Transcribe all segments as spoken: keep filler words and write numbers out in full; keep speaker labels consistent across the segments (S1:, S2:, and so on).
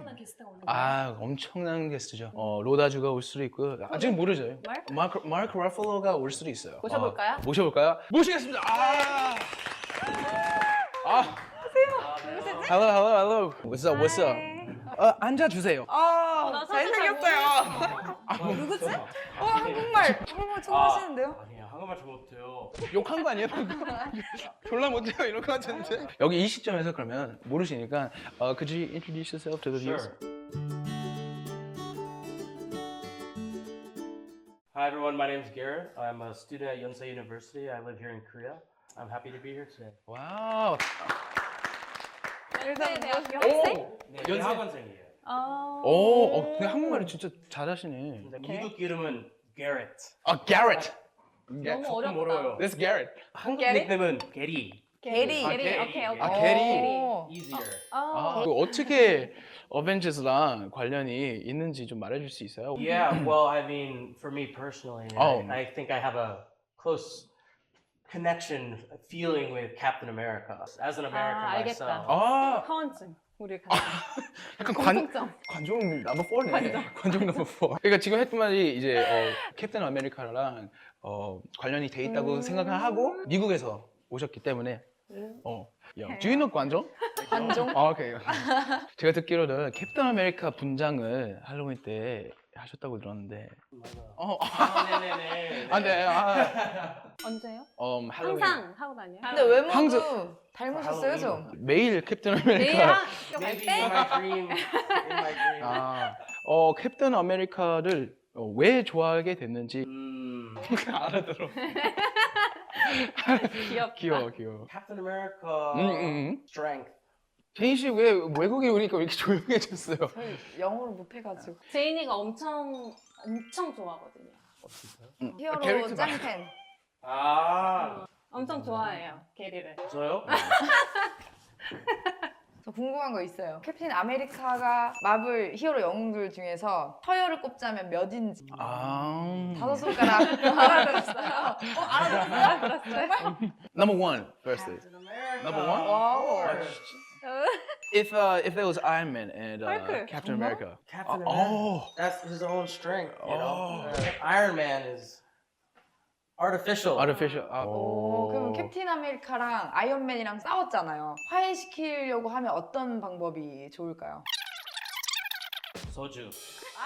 S1: 엄청난 게스트가 오는 거예요?
S2: 아 엄청난 게스트죠. 어, 로다주가 올 수도 있고 아직 모르죠.
S1: 마크?
S2: 마크 마크 러플로가 올 수도 있어요.
S1: 모셔볼까요?
S2: 어, 모셔볼까요? 모시겠습니다. 아. 아.
S1: 누구시지?
S2: Hello, hello, hello. What's up? What's up? 어, 앉아 주세요.
S3: 아,
S1: 나 사실
S3: 잘생겼어요.
S1: 누구지?
S3: 어, 한국말 한국말 통하시는데요?
S4: 아니에요. 한국말 잘 못해요.
S2: 욕한 거 아니에요? 방금? 졸라 못해요 이런 거 같은데. 여기 이 시점에서 그러면 모르시니까 uh, could you introduce yourself to the viewers?
S4: Sure. Hi everyone, my name is Garrett. I'm a student at Yonsei University. I live here in Korea. I'm happy to be here today.
S2: 와우.
S1: 연세 대학교
S2: 오.
S1: 학생?
S4: 네,
S2: 연세-
S4: 학원생이에요.
S1: 아.
S2: 오, 어, 근데 한국말이 진짜 잘하시네.
S4: 근데 미국 이름은 Garrett.
S2: 아, Garrett.
S1: 너무
S4: 조금
S1: 어렵다.
S4: 어려워요.
S2: This Garrett.
S4: 한국
S3: 게리?
S4: 닉네임은 게리.
S3: 게리.
S2: 아,
S1: 게리.
S2: 게리.
S1: 오케이, 오케이.
S2: 아, 게리.
S3: 오.
S4: Easier.
S2: 아,
S1: 아.
S2: 그 어떻게 어벤져스랑 관련이 있는지 좀 말해줄 수 있어요?
S4: Yeah, well, I mean, for me personally,
S2: Oh.
S4: I, I think I have a close connection, feeling with Captain America. As an American
S1: 아, 알겠다.
S4: myself.
S2: 아,
S1: 하원증. 우리 같이.
S2: 약간 관,
S1: 공통점.
S2: 관종 넘버 사네. 관종 넘버 사. 그러니까 지금 했던 말이 이제 어, 캡틴 아메리카랑 어, 관련이 돼 있다고
S1: 음.
S2: 생각을 하고 미국에서 오셨기 때문에 어, 야, do you know 관종?
S3: 관종?
S2: 아, 오케이. 제가 듣기로는 캡틴 아메리카 분장을 할로윈 때 하셨다고 들었는데
S4: 맞아요.
S2: 어,
S4: 아, 네네네.
S2: 안 돼. 아,
S1: 언제요?
S2: 음, 할로윈.
S1: 항상 하고 다녀요?
S3: 근데 외모도
S2: 항상-
S3: 닮으셨어요, 좀.
S2: 매일 캡틴
S1: 내일
S2: 아메리카.
S1: 학교 갈
S4: Maybe in
S1: 때?
S4: my dream. In my dream.
S2: 아, 어, 캡틴 아메리카를 어, 왜 좋아하게 됐는지
S4: 음,
S2: 알아들어.
S1: 귀엽다.
S2: 귀여워, 귀여워.
S4: Captain America.
S2: 음, 음, 음.
S4: Strength.
S2: 제인 씨 왜 외국에 오니까 왜 이렇게 조용해졌어요?
S3: 저희 영어를 못해가지고.
S1: 제인이가 엄청 엄청 좋아하거든요.
S2: 음,
S3: 히어로
S2: 캐릭터 말-
S3: 짱팬.
S4: 아,
S1: 엄청 좋아해요, 게리를.
S4: 저요?
S3: 저 궁금한 거 있어요. 캡틴 아메리카가 마블 히어로 영웅들 중에서 서열을 꼽자면 몇인지.
S2: 아,
S3: 다섯 손가락 알아들었어요. 어, 알아들었어요? 정말?
S2: Number one, firstly.
S4: Captain America.
S2: Number one?
S3: 와우.
S4: Of course.
S2: If uh, if there was Iron Man and uh,
S1: Hulk.
S2: Captain
S3: 정말?
S2: America.
S4: Captain
S2: 어,
S4: America.
S2: 어.
S4: That's his own strength. You know?
S2: Oh.
S4: Uh, Iron Man is artificial.
S2: Artificial. 아,
S3: 오, 그럼 캡틴 아메리카랑 아이언맨이랑 싸웠잖아요. 화해시키려고 하면 어떤 방법이 좋을까요?
S4: 소주.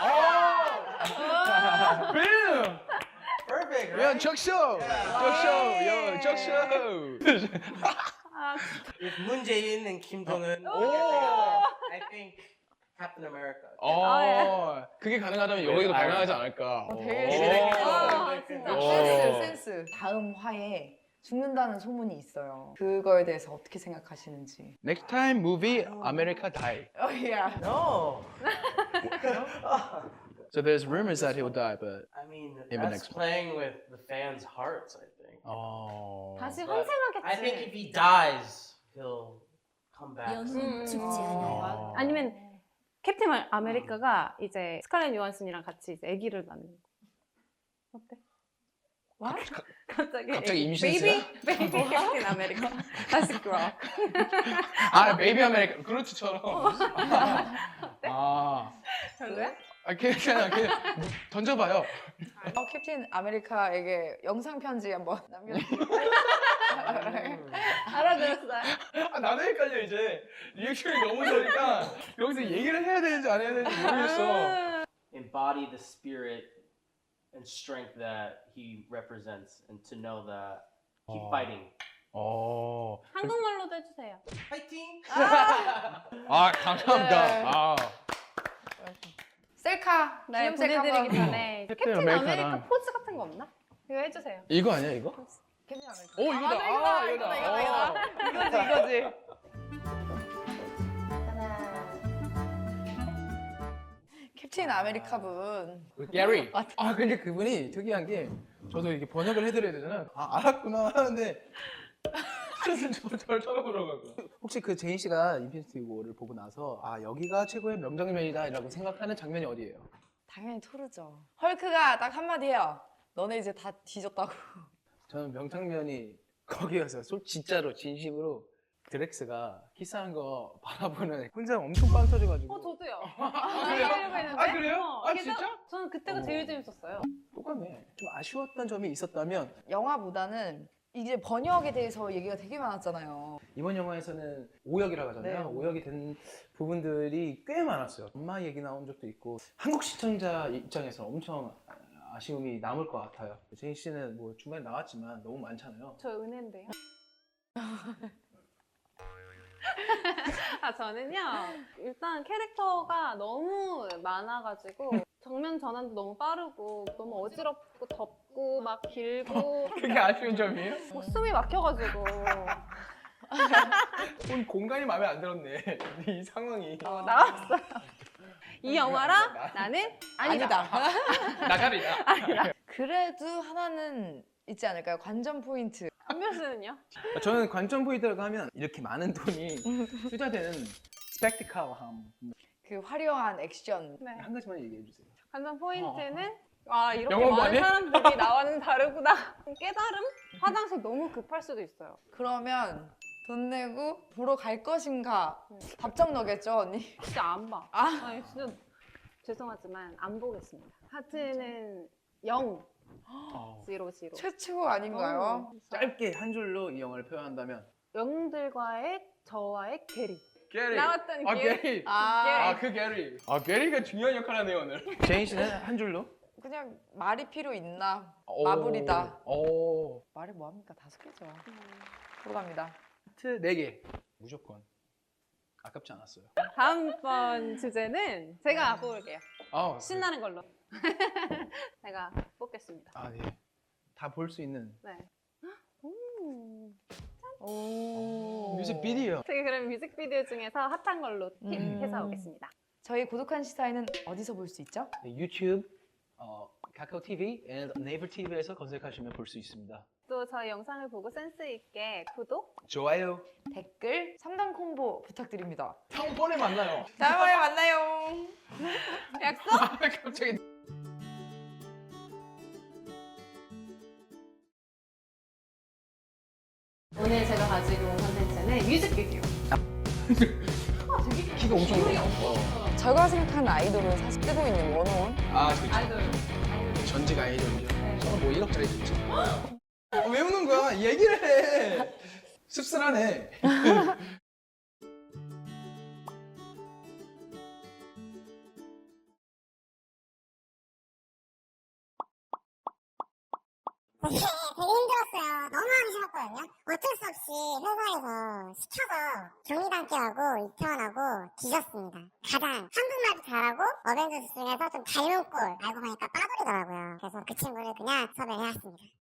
S2: Bam!
S4: Perfect,
S2: 야,
S4: right?
S2: 적쇼! 적쇼! 야, 적쇼!
S1: 아,
S4: If 문재인 and Kim Jong Un,
S1: 오.
S4: I think Captain America.
S2: 어, 그게 가능하다면 여기도
S4: 네,
S2: 가능하지 않을까?
S3: 어, 되게
S2: 오.
S3: 재밌겠다.
S1: 아, 진짜.
S2: 오.
S3: 센스, 센스. 다음 화에 죽는다는 소문이 있어요. 그거에 대해서 어떻게 생각하시는지.
S2: Next time movie, America die.
S3: 어, 야.
S4: No.
S2: So there's rumors that he'll die, but
S4: I mean,
S2: In the
S4: that's
S2: next one.
S4: playing with the fans' hearts, I think.
S2: 어.
S1: 다시
S4: But
S1: 환생하겠지.
S4: I think if he dies, he'll come back.
S1: 음,
S5: 죽지
S2: 않아요.
S1: 아, 아니면 캡틴 아- 아메리카가 이제 스칼렛 요한슨이랑 같이 이제 아기를 낳는 거. 어때? 와? 갑자기
S2: 갑자기 임신했어요?
S1: 베이비 베이비 캡틴 아메리카 다시 그럼.
S2: 아, 베이비 아메리카 그렇지처럼. 아,
S1: 별로야?
S2: 아, 그냥 그냥, 그냥 던져봐요.
S3: 어, 캡틴 아메리카에게 영상 편지 한번 남겨주세요.
S1: 알아들었어요.
S2: 아, 나도 헷갈려 이제 리액션이 너무 좋으니까 여기서 얘기를 해야 되는지 안 해야 되는지 모르겠어.
S4: Embody the spirit and strength that he represents, and to know that keep
S2: Oh.
S4: fighting.
S2: 어,
S1: 한국말로도 해주세요.
S4: Fighting.
S2: 아 감사합니다.
S3: 네.
S2: 아,
S3: 셀카,
S1: 네,
S3: 기념 셀카
S1: 보내드리기
S3: 한번.
S1: 전에
S2: 캡틴
S1: 캡틴
S2: 아메리카랑-
S1: 아메리카 포즈 같은 거 없나? 이거 해주세요.
S2: 이거 아니야 이거?
S3: 캡틴 아메리카.
S2: 오 이거다.
S3: 아, 이거다,
S2: 아,
S3: 이거다,
S2: 이거다.
S3: 이거다, 이거다. 이거지, 이거지. 캡틴 아메리카 분.
S2: 게리. 아 근데 그분이 특이한 게 저도 이렇게 번역을 해드려야 되잖아. 아 알았구나 하는데 저를 저를 쳐다보더라고요. 혹시 그 제인 씨가 인피니티 워를 보고 나서 아 여기가 최고의 명장면이다라고 생각하는 장면이 어디예요?
S3: 당연히 토르죠. 헐크가 딱 한마디 해요. 너네 이제 다 뒤졌다고.
S2: 저는 명장면이 거기였어요. 솔 진짜로 진심으로 드렉스가 키스하는 거 바라보는 혼자 엄청 빵 터져가지고.
S1: 어 저도요.
S2: 아, 그래요?
S1: 하려고 했는데.
S2: 아, 그래요?
S1: 어,
S2: 아,
S1: 그래서
S2: 진짜?
S1: 저는 그때가
S2: 어머.
S1: 제일 재밌었어요.
S2: 똑같네. 좀 아쉬웠던 점이 있었다면
S3: 영화보다는 이제 번역에 대해서 얘기가 되게 많았잖아요.
S2: 이번 영화에서는 오역이라고 하잖아요.
S3: 네.
S2: 오역이 된 부분들이 꽤 많았어요. 엄마 얘기 나온 적도 있고 한국 시청자 입장에서 엄청 아쉬움이 남을 것 같아요. 제인 씨는 뭐 중간에 나왔지만 너무 많잖아요.
S1: 저 은혜인데요. 아 저는요 일단 캐릭터가 너무 많아가지고 정면 전환도 너무 빠르고 너무 어지럽고 덥고 막 길고
S2: 그게 아쉬운 점이에요?
S1: 뭐 숨이 막혀가지고
S2: 온 공간이 마음에 안 들었네. 이 상황이.
S1: 어, 나왔어요. 이 영화랑 나는 아니다.
S3: 아니다. 그래도 하나는 있지 않을까요? 관전 포인트.
S1: 한별씨는요?
S2: 저는 관전 포인트라고 하면 이렇게 많은 돈이 투자되는 스펙티컬함.
S3: 그 화려한 액션.
S1: 네.
S2: 한 가지만 얘기해 주세요.
S1: 관전 포인트는 아 이렇게
S2: 영어
S1: 많은
S2: 뭐하니?
S1: 사람들이 나와는 다르구나. 깨달음? 화장실 너무 급할 수도 있어요.
S3: 그러면 돈 내고 보러 갈 것인가? 답정 너겠죠, 언니?
S1: 진짜 안 봐.
S3: 아.
S1: 아니 진짜 죄송하지만 안 보겠습니다. 하트는 영,
S2: 어.
S1: 지로 지로.
S3: 최초 아닌가요?
S1: 어,
S2: 짧게 한 줄로 이 영화를 표현한다면
S1: 영들과의 저와의 괴리.
S2: 게리.
S1: 나왔던
S2: 아
S1: 게리.
S2: 게리.
S3: 아,
S2: 아 그 게리. 아 게리가 중요한 역할 하네요 오늘. 제인 씨는 한 줄로?
S3: 그냥 말이 필요 있나?
S2: 오.
S3: 마블이다.
S2: 오.
S3: 말이 뭐합니까? 다섯 개죠. 들어갑니다.
S2: 하트 네 개. 무조건. 아깝지 않았어요.
S1: 다음번 주제는 제가 뽑을게요.
S2: 아,
S1: 신나는 걸로. 제가 뽑겠습니다.
S2: 아 네. 다 볼 수 있는
S1: 네. 음.
S3: 오.
S2: 뮤직비디오.
S1: 제가 그럼 뮤직비디오 중에서 핫한 걸로 픽해서
S3: 음.
S1: 오겠습니다.
S3: 저희 고독한 시사회는 어디서 볼 수 있죠?
S2: 네, 유튜브, 어, 카카오 티비, 네이버 티비에서 검색하시면 볼 수 있습니다.
S1: 또 저희 영상을 보고 센스 있게 구독,
S2: 좋아요.
S3: 댓글, 삼 단 콤보 부탁드립니다.
S2: 다음번에 만나요.
S3: 다음번에 만나요.
S1: 약속!
S2: 갑자기.
S1: 오늘 제가 가지고 온 컨텐츠는 뮤직비디오. 아, 되게
S2: 키가 엄청
S1: 기울이
S2: 커.
S1: 없어.
S3: 제가 생각하는 아이돌은 사실 뜨고 있는 원어원.
S2: 아, 그렇죠.
S1: 아이돌. 아이돌.
S2: 전직 아이돌이죠.
S1: 네.
S2: 저는 뭐 일억짜리 줬죠. 어, 왜 우는 거야? 얘기를 해. 씁쓸하네.
S5: 되게, 되게 힘들었어요. 너무 하기 싫었거든요. 어쩔 수 없이 회사에서 시켜서 경리단계하고 이태원하고 뒤졌습니다. 가장 한국말도 잘하고 어벤져스 중에서 좀 닮은 꼴 알고 보니까 빠돌이더라고요. 그래서 그 친구를 그냥 섭외해왔습니다.